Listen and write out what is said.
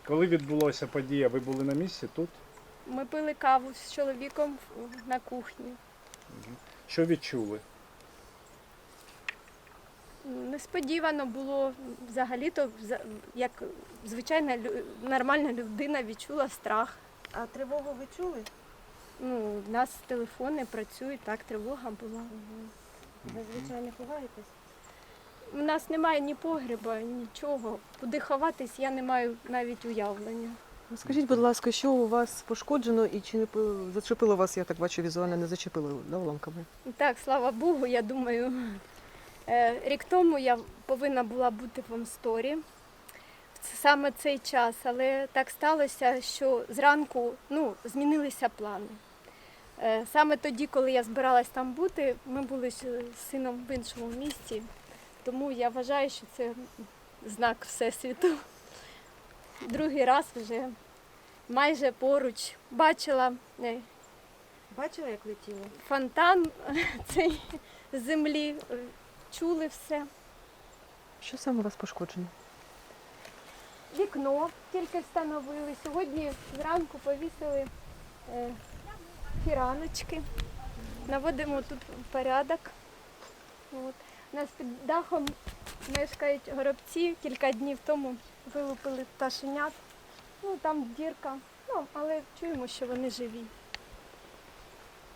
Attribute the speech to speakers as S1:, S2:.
S1: Коли відбулася подія, ви були на місці тут?
S2: Ми пили каву з чоловіком на кухні.
S1: Що відчули?
S2: Несподівано було взагалі-то, як звичайна нормальна людина відчула страх.
S3: А тривогу ви чули?
S2: Ну, у нас телефони працюють, так, тривога була.
S3: Ви, звичайно, ховаєтесь?
S2: У нас немає ні погреба, нічого. Куди ховатись, я не маю навіть уявлення.
S4: Скажіть, будь ласка, що у вас пошкоджено і чи не зачепило вас, я так бачу, візуально не зачепило, да, уламками?
S2: Так, слава Богу, я думаю, рік тому я повинна була бути в Амсторі в саме цей час, але так сталося, що зранку змінилися плани. Саме тоді, коли я збиралась там бути, ми були з сином в іншому місті, тому я вважаю, що це знак Всесвіту. Другий раз вже майже поруч бачила
S3: Бачили, як летіло?
S2: фонтан цей з землі, чули все.
S4: Що саме у вас пошкоджено?
S2: Вікно тільки встановили. Сьогодні зранку повісили фіраночки. Наводимо тут порядок. От. У нас під дахом мешкають горобці. Кілька днів тому вилупили пташенят. Там дірка, але чуємо, що вони живі.